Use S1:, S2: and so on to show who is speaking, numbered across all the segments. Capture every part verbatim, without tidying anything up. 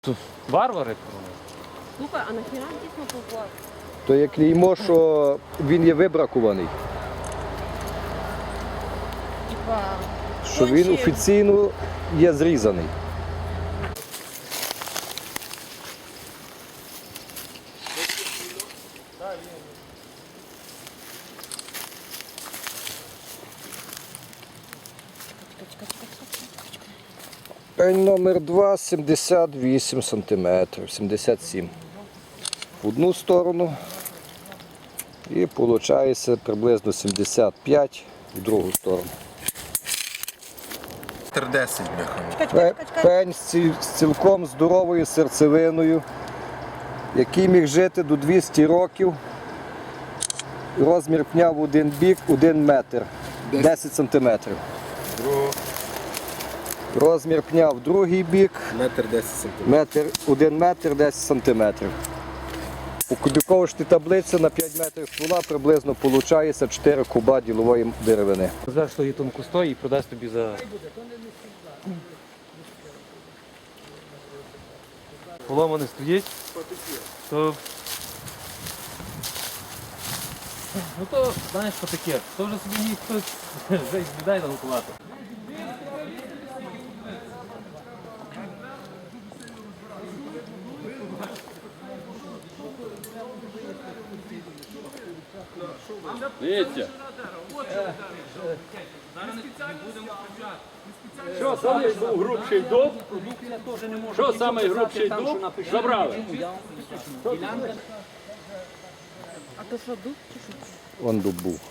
S1: Варвари?
S2: Слухай, а нахіра дійсно поклав?
S3: То є клеймо, що він є вибракуваний.
S2: Типа,
S3: Що він
S2: конче-
S3: офіційно є зрізаний. Пень номер два, сімдесят вісім сантиметрів, сімдесят сім. В одну сторону і виходить приблизно сімдесят п'ять в другу сторону.
S4: десять бляха.
S2: Чекай, чекай,
S3: Пе-
S2: чекай, чекай.
S3: Пень з ці- з цілком здоровою серцевиною, який міг жити до двісті років. Розмір пня в один бік один метр, десять сантиметрів.
S4: Другого
S3: Розмір пня в другий бік
S4: метр десять сантиметрів.
S3: метр, один метр десять сантиметрів. У кубіковочній таблиці на п'ять метрів ствола приблизно виходить чотири куба ділової деревини.
S1: Знаєш, що її тонку стоїть і продасть тобі за... Поломаний стоїть, то... Ну то, знаєш, що таке, то вже собі міг хтось вже віддай наготувати. Дивіться. Що саме був грубший дуб? Що саме грубший дуб? Забрали.
S2: А то що, дуб чи що?
S3: Вон дуб був.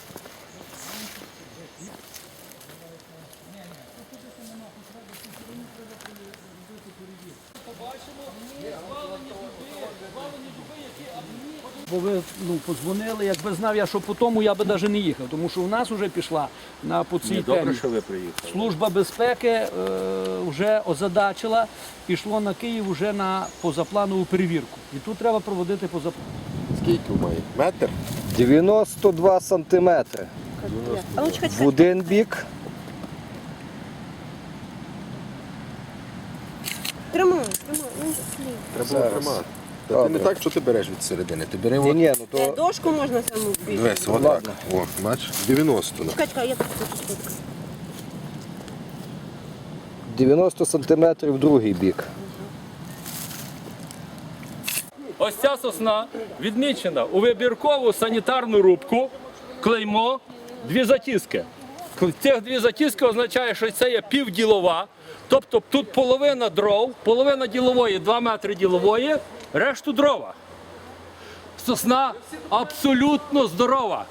S5: Бо ви ну, подзвонили, якби знав я, що по тому я би навіть не їхав, тому що у нас вже пішла на по цій темі.
S4: ви приїхали.
S5: Служба безпеки е, вже озадачила, пішло на Київ вже на позапланову перевірку. І тут треба проводити позапланову.
S4: Скільки має? Метр?
S3: дев'яносто два сантиметри
S2: А ну чекай,
S3: в
S2: чекай.
S3: один бік.
S2: Тримай, тримай, ну слід.
S4: Треба
S3: Зараз.
S4: тримати. Та ти не
S3: Добре.
S4: так, що ти береш від середини. Ти бери
S3: Ні,
S4: от.
S3: ні, ну
S2: Е,
S3: то
S2: Дошку можна саму більше.
S4: Дивись, отак.
S3: Ладно.
S4: О, бачиш? дев'яносто.
S2: Чекай, чекай, я тут хочу сфоткати.
S3: дев'яносто сантиметрів в другий бік.
S1: Ось ця сосна відмічена у вибіркову санітарну рубку, клеймо, дві затіски. Цих дві затіски означає, що це є півділова, тобто тут половина дров, половина ділової, два метри ділової, решту дрова. Сосна абсолютно здорова.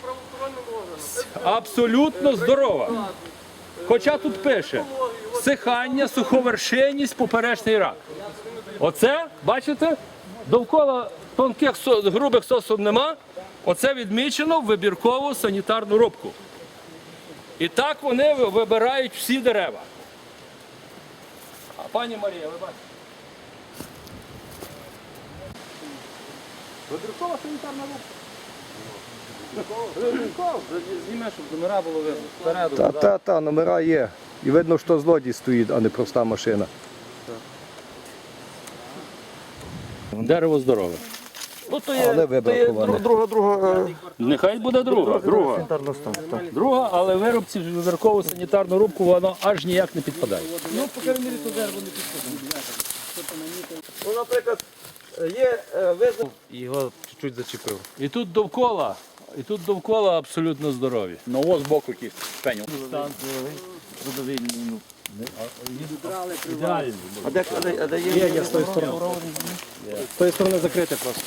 S1: Абсолютно здорова. Хоча тут пише всихання, суховершинність, поперечний рак. Оце, бачите, довкола тонких со- грубих сосуд нема. Оце відмічено в вибіркову санітарну рубку. І так вони ви- вибирають всі дерева. А пані Марія, ви бачите? Вибіркова санітарна рубка. Вибіркова. Зніме, щоб номера було видно. Спереду.
S3: Та, та, та, номера є. І видно, що злодій стоїть, а не проста машина.
S1: Дерево здорове.
S5: Ну, то
S3: Але вибраковане.
S5: друга, друга.
S1: Нехай буде друга. Друга, друга але виробці в вибіркову санітарну рубку воно аж ніяк не підпадає.
S5: Ну, по крайній мірі, то дерево не підходить. Ну, наприклад, є визначення.
S1: Його чуть-чуть зачепив. І тут довкола, і тут довкола абсолютно здорові.
S6: Ну ось збоку якийсь пеню.
S1: Ідеально.
S5: А де, а де, а де є? Є, є з тої сторони.
S3: З тої сторони закрите просто.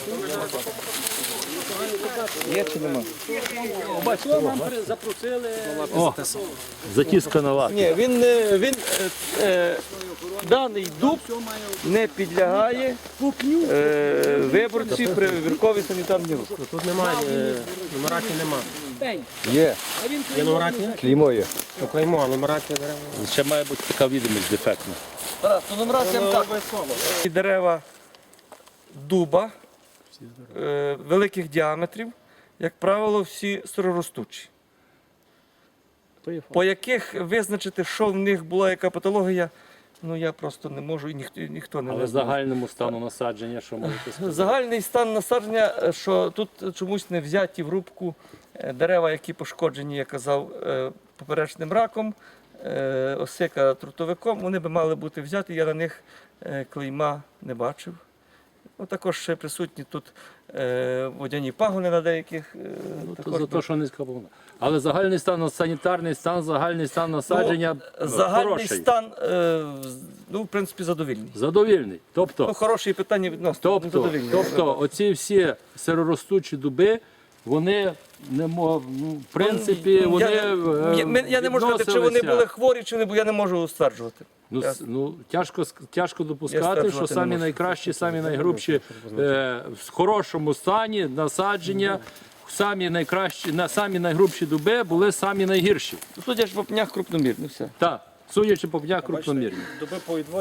S3: Є чи нема?
S5: Бачите, нам запросили.
S1: О, затіска нова.
S5: Ні, він, не- він е, е, даний дуб не підлягає е, виборці при вибірковій санітарній рубці.
S7: Тут немає, е, нумерації нема.
S3: Є.
S7: Є нумерація?
S3: Клеймо є.
S7: Ну, клеймо, а нумерація дерева.
S1: Ще має бути така відомість дефектна.
S5: Тарас, то нумерація так. І дерева дуба е, великих діаметрів, як правило, всі сироростучі. По яких визначити, що в них була яка патологія, Ну я просто не можу і ніхто, ніхто не
S1: Але
S5: знає.
S1: загальному стану насадження, що можете сказати?
S5: Загальний стан насадження, е, що тут чомусь не взяті в рубку е, дерева, які пошкоджені, я казав, е, поперечним раком, е, осика трутовиком, вони би мали бути взяті, я на них е, клейма не бачив. Ну, також ще присутні тут е, водяні пагони на деяких. Е,
S1: Ну, то
S5: також
S1: за те, що низька повна. Але загальний стан, санітарний стан, загальний стан насадження
S5: Ну, загальний
S1: хороший,
S5: стан, е, ну, в принципі, задовільний.
S1: задовільний. Тобто,
S5: Ну, хороші питання відносно, ну,
S1: тобто,
S5: задовільний.
S1: тобто оці всі сироростучі дуби, вони не мов, ну, в принципі,
S5: Ну,
S1: вони
S5: я,
S1: е,
S5: я, ми- я не можу сказати, чи вони
S1: відносилися.
S5: були хворі, чи не були, я не можу стверджувати.
S1: Ну,
S5: Я-
S1: с- ну тяжко ск- тяжко
S5: Я
S1: допускати,
S5: стверджувати
S1: що
S5: не
S1: самі
S5: можу.
S1: найкращі, самі найгрубші е, в хорошому стані насадження, самі найкращі, на самі найгрубші дуби були самі найгірші.
S5: Судячи по пнях крупномірні, все.
S1: Так, судячи по пнях крупномірні.
S6: Доби по